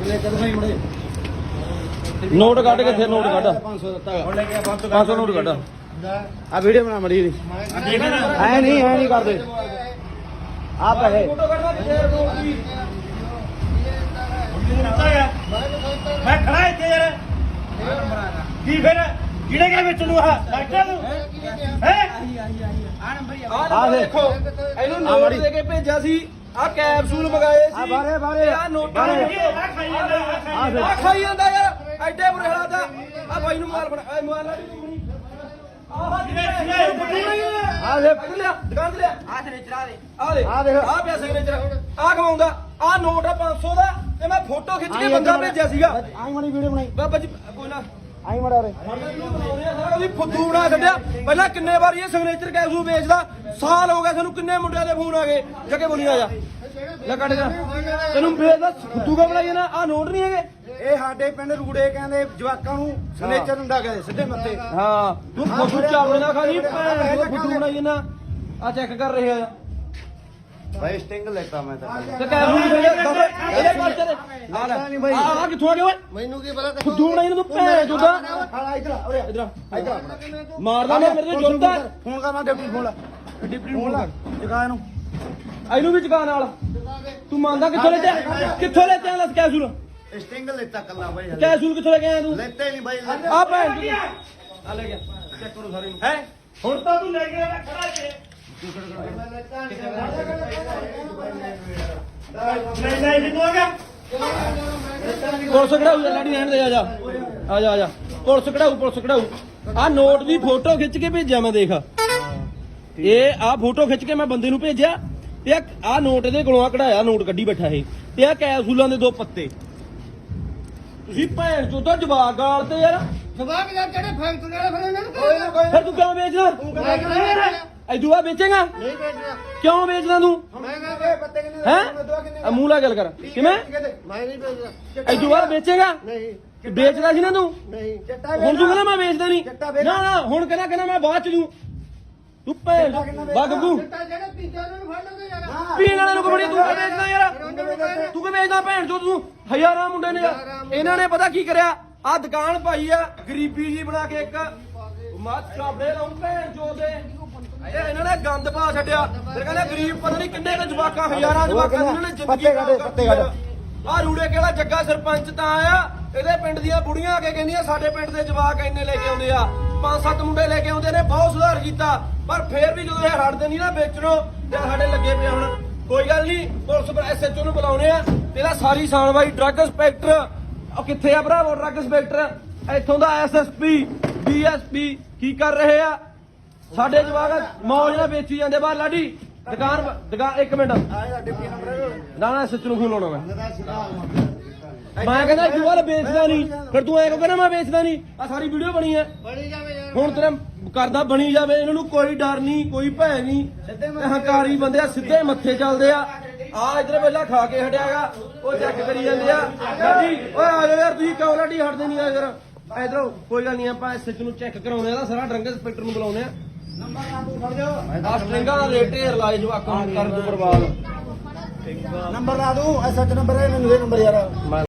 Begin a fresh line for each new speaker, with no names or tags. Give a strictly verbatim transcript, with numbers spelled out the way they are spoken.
Note ਕੱਢ ਕਿੱਥੇ note ਕੱਢ
ਪੰਜ ਸੌ ਦਿੱਤਾ
ਹੁਣ ਲੈ ਕੇ
ਪੰਜ ਸੌ ਨੋਟ ਕੱਢ
ਆ ਵੀਡੀਓ ਬਣਾ ਮੜੀ ਦੀ ਐ ਨਹੀਂ ਐ ਨਹੀਂ ਕਰਦੇ ਆ ਪੈਸੇ
ਫੋਟੋ ਕੱਢਣਾ ਕਿੱਥੇ ਨੋਟ ਦੀ
ਮੈਂ ਖੜਾ ਇੱਥੇ ਯਾਰ ਕੀ ਫਿਰ ਕਿਹੜੇ ਕਿਹੜੇ ਵਿੱਚ ਨੂੰ ਆ ਡਾਕਟਰ ਨੂੰ ਹੈ
ਆ ਦੇਖੋ ਇਹਨੂੰ ਨੋਟ ਦੇ ਕੇ ਭੇਜਿਆ ਸੀ ਆ ਕੈਪਸੂਲ ਮੰਗਾਏ
ਆ
ਸੀ
ਬਾਰੇ ਬਾਰੇ
ਆ ਨੋਟਾਂ ਦੇ
ਆ ਖਾਈ ਜਾਂਦਾ
ਆ ਖਾਈ ਜਾਂਦਾ ਯਾਰ ਐਡੇ ਬੁਰੇ ਹਾਲਾਤ ਆ ਆ ਬਾਈ ਨੂੰ ਮਾਲ ਬਣਾ ਐ ਮਾਲ ਆ ਲੈ ਲਿਆ ਦੁਕਾਨ ਤੇ ਲਿਆ ਆ ਤੇ ਚੜਾ ਦੇ ਆ ਲੈ
ਆ ਦੇਖ।
ਆ ਪਿਆ ਸਿਗਨੇਚਰ ਆ ਕਮਾਉਂਦਾ ਆ ਨੋਟ ਆ ਪੰਜ ਸੌ ਦਾ ਤੇ ਮੈਂ ਫੋਟੋ ਖਿੱਚ ਕੇ ਬੰਦਾ ਭੇਜਿਆ ਸੀਗਾ
ਆਈ ਮੜੀ ਵੀਡੀਓ ਬਣਾਈ
ਬਾਬਾ ਜੀ ਕੋਈ ਨਾ
ਆਈ ਮੜਾ ਰੇ
ਉਹਦੀ ਫੁੱਦੂ ਬਣਾ ਛੱਡਿਆ ਪਹਿਲਾਂ ਕਿੰਨੇ ਵਾਰੀ ਇਹ ਸਿਗਨੇਚਰ ਕੈਪਸੂਲ ਵੇਚਦਾ ਸਾਲ ਹੋ ਗਿਆ ਸਾਨੂੰ ਕਿੰਨੇ ਮੁੰਡਿਆਂ ਦੇ ਫੋਨ ਆ ਗਏ ਜੱਗੇ ਬੋਲੀ ਆ ਜਾ ਲੈ ਕੱਢ ਜਾ ਤੈਨੂੰ ਵੇਚਦਾ ਫੁੱਦੂ ਕਾ ਬਣਾਈ ਨਾ ਆ ਨੋਟ ਨਹੀਂ ਹੈਗੇ
ਇਹ ਸਾਡੇ ਪਿੰਡ ਰੂੜੇ ਕਹਿੰਦੇ ਜਵਾਕਾਂ ਨੂੰ ਸਿਗਨੇਚਰ ਹੁੰਦਾ ਕਹਿੰਦੇ ਸਿੱਧੇ ਮੱਥੇ
ਹਾਂ ਤੂੰ ਫੁੱਦੂ ਚਾਵਲੇ ਨਾ ਖਾਣੀ ਭੈਣ ਚੋਦ ਫੁੱਦੂ ਬਣਾਈ ਨਾ ਆ ਚੈੱਕ ਕਰ ਰਹੇ ਆ
ਭਾਈ ਸਟਿੰਗ ਲੈਤਾ ਮੈਂ ਤਾਂ
ਤੇ ਕੈਪਸੂਲ ਵੇਚ ਦੱਸ ਇਹਦੇ ਪਰਚੇ ਦੇ ਆ ਲੈ
ਬਾਈ।
ਆ ਆ ਕਿੱਥੋਂ ਆ ਗਿਆ ਓਏ
ਮੈਨੂੰ ਕੀ ਪਤਾ
ਫੁੱਦੂ ਬਣਾਈ ਨੂੰ ਤੂੰ ਭੈਣ ਚੋਦਾ
ਹਾਂ ਇਧਰ ਉਰੇ
ਇਧਰ
ਇਧਰ
ਮਾਰਦਾ ਮੈਂ ਮੇਰੇ ਤੇ ਜੁਰਦਾ
ਫੋਨ ਕਰਨਾ ਡਿਪਟੀ ਫੋਨ ਲਾ
ਡਿਪਟੀ
ਫੋਨ ਲਾ ਜਗਾ ਇਹਨੂੰ
ਇਹਨੂੰ ਵੀ ਚੁਕਾ ਨਾਲ ਤੂੰ ਮੰਨਦਾ ਕਿੱਥੋਂ ਲੈ ਤੇ ਕਿੱਥੋਂ ਲੈ ਤੇ ਲੱਸ ਕੈਪਸੂਲ
ਸਟਿੰਗ ਲੈਤਾ ਕੱਲਾ ਭਾਈ
ਕੈਪਸੂਲ ਕਿੱਥੋਂ ਲੈ ਕੇ ਆਇਆ ਤੂੰ
ਲੈਤੇ ਨਹੀਂ ਭਾਈ
ਆ ਭੈਣ ਚੋਦ ਆ ਲੈ ਗਿਆ ਚੈੱਕ ਕਰੋ ਸਾਰੇ ਨੂੰ
ਹੈ ਹੁਣ ਤਾਂ ਤੂੰ ਲੈ ਕੇ ਆਇਆ ਖੜਾ ਇੱਥੇ ਨਹੀਂ ਨਹੀਂ ਜਿੱਦੋਂ ਆ ਗਿਆ
ਪੁਲਿਸ ਕਢਾਊ ਜਾ ਲਾੜੀ ਰਹਿਣ ਦੇ ਆ ਜਾ ਆ ਜਾ ਆ ਜਾ ਪੁਲਿਸ ਕਢਾਊ ਪੁਲਿਸ ਕਢਾਊ ਆ ਨੋਟ ਦੀ ਫੋਟੋ ਖਿੱਚ ਕੇ ਭੇਜਿਆ ਮੈਂ ਦੇਖ ਇਹ ਆ ਫੋਟੋ ਖਿੱਚ ਕੇ ਮੈਂ ਬੰਦੇ ਨੂੰ ਭੇਜਿਆ ਤੇ ਆ ਨੋਟ ਇਹਦੇ ਕੋਲੋਂ ਆ ਕਢਾਇਆ ਨੋਟ ਕੱਢੀ ਬੈਠਾ ਇਹ ਤੇ ਆ ਕੈਪਸੂਲਾਂ ਦੇ ਦੋ ਪੱਤੇ ਤੁਸੀਂ ਭੈਣ ਚੋਦਾ ਜਵਾਕ ਗਾਲ ਤੇ ਯਾਰ
ਜਵਾਕ ਯਾਰ ਜਿਹੜੇ ਫੈਕਟਰੀ ਵਾਲੇ ਫਿਰ ਇਹਨਾਂ ਨੂੰ
ਫਿਰ ਤੂੰ ਕਿਉਂ ਵੇਚਦਾ
ਨਹੀਂ
ਐਦੂ ਆ ਵੇਚੇਗਾ
ਵੇਚਣਾ
ਕਿਉਂ ਵੇਚਦਾ ਤੂੰ
ਮੈਂ ਕਹਿੰਦਾ ਪੱਤੇ ਕਿੰਨੇ
ਹੈ ਆ ਮੂੰਹ ਲਾ ਗੱਲ ਕਰ ਕਿਵੇਂ
ਮੈਂ ਨਹੀਂ ਵੇਚਦਾ
ਐਦੂ ਆ ਵੇਚੇਗਾ
ਨਹੀਂ
ਵੇਚਦਾ ਸੀ ਨਾ ਤੂੰ
ਨਹੀਂ
ਹੁਣ ਤੂੰ ਕਹਿੰਦਾ ਮੈਂ ਵੇਚਦਾ ਨਹੀਂ ਨਾ ਨਾ ਹੁਣ ਕਹਿੰਦਾ ਕਹਿੰਦਾ ਮੈਂ ਬਾਅਦ ਚ ਦੂੰ ਤੂੰ ਭੈਣ ਬਾ ਗੱਗੂ
ਚਿੱਟਾ ਜਿਹੜੇ ਪੀਂਦੇ ਉਹਨਾਂ ਨੂੰ ਫੜ ਲਓਗੇ ਯਾਰ
ਪੀਣ ਵਾਲੇ ਨੂੰ ਕਬੜੀ ਤੂੰ ਕਿ ਵੇਚਦਾ ਯਾਰ ਤੂੰ ਕਿ ਵੇਚਦਾ ਭੈਣ ਚੋ ਤੂੰ ਹਜ਼ਾਰਾਂ ਮੁੰਡੇ ਨੇ ਯਾਰ। ਇਹਨਾਂ ਨੇ ਪਤਾ ਕੀ ਕਰਿਆ ਆ ਦੁਕਾਨ ਪਾਈ ਆ ਗਰੀਬੀ ਜੀ ਬਣਾ ਕੇ ਇੱਕ ਮੱਤ ਚਾਬੜੇ ਲਾਉਂ ਭੈਣ ਚੋ ਦੇ ਇਹ ਇਹਨਾਂ ਨੇ ਗੰਦ ਪਾ ਛੱਡਿਆ ਫਿਰ ਕਹਿੰਦੇ ਗਰੀਬ ਪਤਾ ਨਹੀਂ ਕਿੰਨੇ ਕੁ ਜਵਾਕਾਂ ਹਜ਼ਾਰਾਂ ਜਵਾਕਾਂ ਦੀ ਇਹਨਾਂ ਨੇ ਜ਼ਿੰਦਗੀ
ਪੱਤੇ ਕੱਢ, ਪੱਤੇ ਕੱਢ।
ਆ ਰੂੜੇ ਕਿਹੜਾ ਜੱਗਾ ਸਰਪੰਚ ਤਾਂ ਆਇਆ ਇਹਦੇ ਪਿੰਡ ਦੀਆਂ ਬੁੜੀਆਂ ਆ ਕੇ ਕਹਿੰਦੀਆਂ ਸਾਡੇ ਪਿੰਡ ਦੇ ਜਵਾਕ ਇੰਨੇ ਲੈ ਕੇ ਆਉਂਦੇ ਆ ਪੰਜ ਸੱਤ ਮੁੰਡੇ ਲੈ ਕੇ ਆਉਂਦੇ ਨੇ ਬਹੁਤ ਸੁਧਾਰ ਕੀਤਾ ਪਰ ਫੇਰ ਵੀ ਜਦੋਂ ਇਹ ਹਟਦੇ ਨਹੀਂ ਨਾ ਵੇਚਣੋਂ ਤੇ ਸਾਡੇ ਲੱਗੇ ਪਏ ਹੁਣ ਕੋਈ ਗੱਲ ਨਹੀਂ ਪੁਲਿਸ ਐਸਐਚਓ ਨੂੰ ਬੁਲਾਉਣੇ ਆ ਤੇਰਾ ਸਾਰੀ ਸਾਣਵਾਈ ਡਰੱਗ ਇੰਸਪੈਕਟਰ ਉਹ ਕਿੱਥੇ ਆ ਭਰਾਵੋ ਡਰੱਗ ਇੰਸਪੈਕਟਰ ਇੱਥੋਂ ਦਾ ਐਸਐਸਪੀ ਡੀਐਸਪੀ ਕੀ ਕਰ ਰਹੇ ਆ ਸਾਡੇ ਜਵਾਕ ਮੌਜ ਨਾਲ ਵੇਚੀ ਜਾਂਦੇ ਬਾਹਰ ਲਾਡੀ ਦੁਕਾਨ ਦੁਕਾਨ ਇੱਕ ਮਿੰਟ
ਆਇਆ ਡਿਪਟੀ ਨੰਬਰ
ਨਾ ਨਾ ਐਸਐਚਓ ਨੂੰ ਫੋਨ ਲਾਉਣਾ ਮੈਂ ਮੈਂ ਕਹਿੰਦਾ ਤੂੰ ਵਾਲਾ ਵੇਚਦਾ ਨਹੀਂ ਫਿਰ ਤੂੰ ਐ ਕਿਉਂ ਕਹਿੰਦਾ ਮੈਂ ਵੇਚਦਾ ਨਹੀਂ ਆ ਸਾਰੀ ਵੀਡੀਓ ਬਣੀ ਐ
ਬੜੀ ਜਾਵੇ ਯਾਰ
ਹੁਣ ਤੇਰਾ ਕਰਦਾ ਬਣੀ ਜਾਵੇ ਇਹਨਾਂ ਨੂੰ ਕੋਈ ਡਰ ਨਹੀਂ ਕੋਈ ਭੈ ਨਹੀਂ ਹੰਕਾਰੀ ਬੰਦੇ ਆ ਸਿੱਧੇ ਮੱਥੇ ਚੱਲਦੇ ਆ ਆ ਇਧਰ ਵੇਲਾ ਖਾ ਕੇ ਹਟਿਆਗਾ ਉਹ ਚੈੱਕ ਕਰੀ ਜਾਂਦੇ ਆ ਲਾਡੀ ਓਏ ਆ ਜਾ ਯਾਰ ਤੁਸੀਂ ਕਿਉਂ ਲਾਡੀ ਹਟਦੇ ਨਹੀਂ ਆ ਯਾਰ ਇਧਰੋਂ ਕੋਈ ਗੱਲ ਨਹੀਂ ਆਪਾਂ ਐਸਐਚ ਨੂੰ ਚੈੱਕ ਕਰਾਉਣੇ ਆ ਸਾਰਾ ਡਰੰਗ ਇੰਸਪੈਕਟਰ ਨੂੰ ਬੁਲਾਉਣੇ ਆ
ਨੰਬਰ ਨਾ ਤੂੰ ਫੜ ਜਾ
ਆ ਸਟ੍ਰਿੰਗਾਂ ਦਾ ਰੇਟ ਢੇਰ ਲਾਏ ਜਵਾਕਾਂ ਨੂੰ ਕਰਨ ਤੋਂ ਬਰਬਾਦ
ਨੰਬਰ ਲਾ ਦੂੰ ਐਸਐਚ ਨੰਬਰ ਹੈ ਮੈਨੂੰ ਇਹ ਨੰਬਰ ਯਾਰ